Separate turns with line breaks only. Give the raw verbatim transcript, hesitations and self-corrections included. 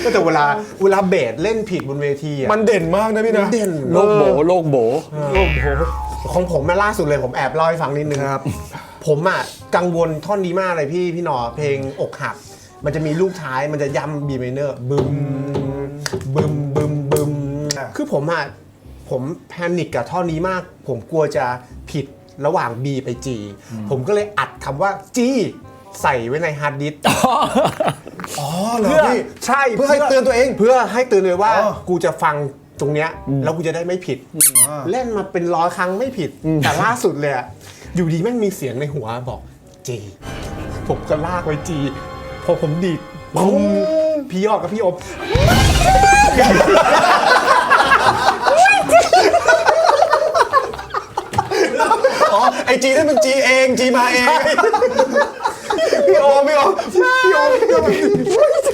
แต่เวลาเวลาเบสเล่นผิดบนเวทีอ่ะ
มันเด่นมากนะพี่นะ
เด่น
โลกโบโลกโบ
โลกโหของผมมาล่าสุดเลยผมแอบเล่าให้ฟังนิดนึง
ครับ
ผมอ่ะกังวลท่อนนี้มากเลยพี่พี่หนอเพลงอกหัก มันจะมีลูกท้ายมันจะย้ำบีไมเนอร์บึมบึมบึมบึมคือผมอ่ะผมแพนิคกับท่อนนี้มาก ผมกลัวจะผิดระหว่าง B ไป G ผมก็เลยอัดคำว่า G ใส่ไว้ในฮาร์ดดิสก์
อ๋อเหรอ
เพื่อ
พี่
ใช่
เพื่อให้เตือนตัวเอง
เพื่อให้เตือนเลยว่า
อ๋อ
กูจะฟังตรงเนี้ยแล้วกูจะได้ไม่ผิด เล่นมาเป็นร้อยครั้งไม่ผิด แต่ล่าสุดเลยอะอยู่ดีแม่งมีเสียงในหัวบอกจีผมก็ลากไว้จีพอผมดีดปุ้มพี่ยอดกับพี่อบ
อ๋อไอจีนั่นเป็นจีเองจีมาเอง
พี่โอมพี่โอมพี่โอมพี่โอม